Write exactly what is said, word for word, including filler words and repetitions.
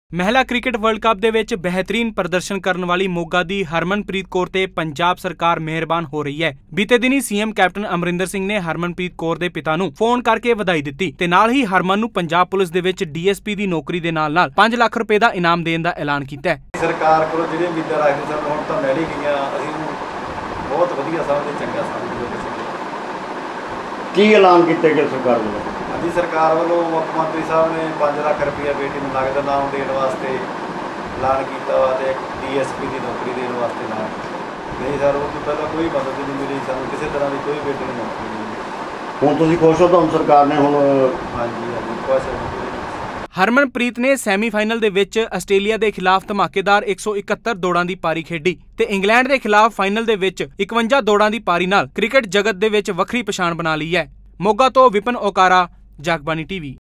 महिला cricket world cup दे विच बेहतरीन प्रदर्शन करने वाली मोगा दी हरमनप्रीत कौर ते पंजाब सरकार मेहरबान हो रही है। बीते दिनी सीएम कैप्टन अमरिंदर सिंह ने हरमनप्रीत कौर दे पिता नूं फोन करके वधाई दित्ती ते नाल ही हरमन नूं पंजाब पुलिस दे विच डीएसपी दी नौकरी दे नाल नाल पांच लाख रुपए दा इनाम देण दा ऐलान कीता है। सरकार कोलों जिहड़ी उम्मीदां रखदे सन हुण तां मिल ही गईयां। असीं बहुत वधिया समझदे, चंगा समझदे। की ऐलान कीते गए सरकार वालों? जी सरकार वालों मुख मंत्री साहब ने पाँच लाख रुपया बेटी में नगद इनाम देने वास्ते ऐलान किया वा डी एस पी की नौकरी देने वास्ते ऐलान नहीं सर उस तो पहले कोई मदद नहीं मिली सानू, किसी तरह की कोई बेटी की नौकरी नहीं मिली। हुण तुसीं खुश हो? तुहानूं सरकार ने हुण? हाँ जी हाँ जी खुश है। हरमनप्रीत ने सैमीफाइनल दे विच आस्ट्रेलिया के खिलाफ धमाकेदार एक सौ इकहत्तर दौड़ां की पारी खेडी ते इंग्लैंड के खिलाफ फाइनल दे विच इकवंजा दौड़ां की पारी नाल क्रिकेट जगत दे विच वखरी पछाण बना ली है। मोगा तो विपिन ओकारा, जगबानी टीवी।